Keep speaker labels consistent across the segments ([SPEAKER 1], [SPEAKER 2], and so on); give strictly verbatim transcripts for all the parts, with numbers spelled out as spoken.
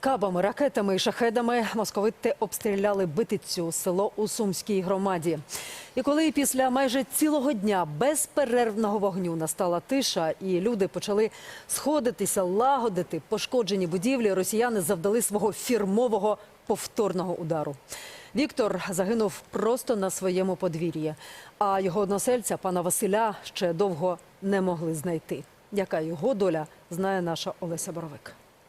[SPEAKER 1] Кабами, ракетами і шахедами московити обстріляли Битицю, село у Сумській громаді. І коли після майже цілого дня безперервного вогню настала тиша і люди почали сходитися, лагодити пошкоджені будівлі, росіяни завдали свого фірмового повторного удару. Віктор загинув просто на своєму подвір'ї, а його односельця, пана Василя, ще довго не могли знайти. Яка його доля, знає наша Олеся Боровик.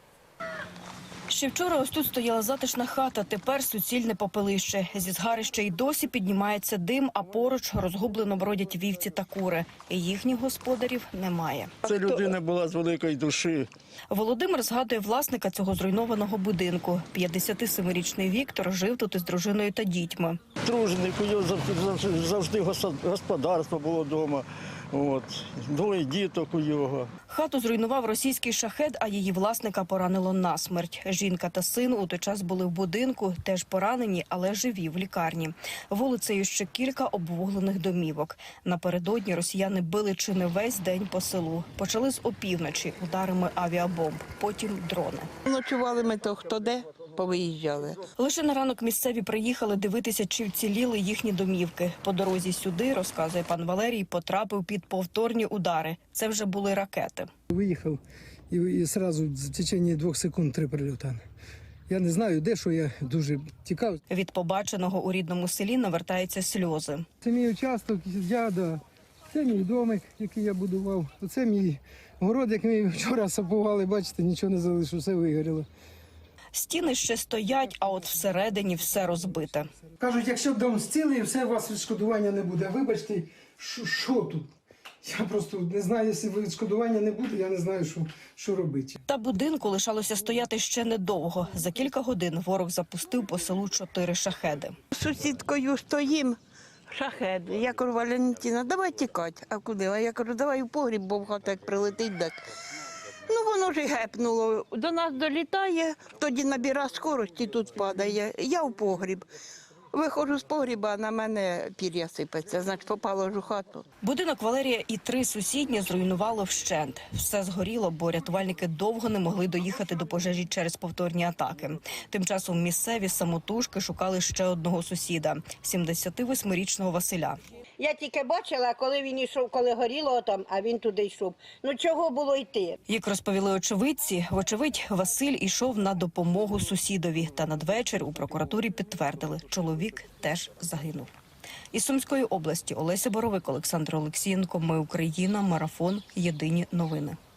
[SPEAKER 2] Ще вчора ось тут стояла затишна хата, тепер суцільне попелище. Зі згарища й досі піднімається дим, а поруч розгублено бродять вівці та кури. І їхніх господарів немає.
[SPEAKER 3] Це людина була з великої душі.
[SPEAKER 2] Володимир згадує власника цього зруйнованого будинку. п'ятдесятисемирічний Віктор жив тут із дружиною та дітьми.
[SPEAKER 3] Дружник, у нього завжди, завжди господарство було вдома. От. Двоє діток у його.
[SPEAKER 2] Хату зруйнував російський шахед, а її власника поранило насмерть. Жінка та син у той час були в будинку, теж поранені, але живі в лікарні. Вулицею ще кілька обвуглених домівок. Напередодні росіяни били чи не весь день по селу. Почали з опівночі ударами авіабомб, потім дрони.
[SPEAKER 4] Ночували ми то хто де, повиїжджали.
[SPEAKER 2] Лише на ранок місцеві приїхали дивитися, чи вціліли їхні домівки. По дорозі сюди, розказує пан Валерій, потрапив під повторні удари. Це вже були ракети.
[SPEAKER 5] Виїхав і, і одразу в течение двох секунд три прильоти. Я не знаю, де, що я дуже тікав.
[SPEAKER 2] Від побаченого у рідному селі навертаються сльози.
[SPEAKER 5] Це мій участок, я, да. Це мій домик, який я будував. Оце мій город, який ми вчора сапували, бачите, нічого не залишилося, все вигоріло.
[SPEAKER 2] Стіни ще стоять, а от всередині все розбите.
[SPEAKER 5] Кажуть, якщо дом зцілий, все, у вас відшкодування не буде. Вибачте, що, що тут? Я просто не знаю, якщо відшкодування не буде, я не знаю, що, що робити.
[SPEAKER 2] Та будинку лишалося стояти ще недовго. За кілька годин ворог запустив по селу чотири шахеди.
[SPEAKER 4] З сусідкою стоїм, шахед. Я кажу, Валентина, давай тікати. А куди? А я кажу, давай в погріб, бо в хату як прилетить, так. Ну, воно ж і гепнуло. До нас долітає, тоді набира скорості, тут падає. Я в погріб. Виходжу з погріба, а на мене пір'я сипеться, значить попало ж у хату.
[SPEAKER 2] Будинок Валерія і три сусідні зруйнувало вщент. Все згоріло, бо рятувальники довго не могли доїхати до пожежі через повторні атаки. Тим часом місцеві самотужки шукали ще одного сусіда – сімдесятивосьмирічного Василя.
[SPEAKER 6] Я тільки бачила, коли він йшов, коли горіло там, а він туди йшов. Ну чого було йти?
[SPEAKER 2] Як розповіли очевидці, вочевидь, Василь ішов на допомогу сусідові. Та надвечір у прокуратурі підтвердили – чоловік теж загинув. Із Сумської області Олеся Боровик, Олександр Олексієнко. Ми Україна. Марафон. Єдині новини.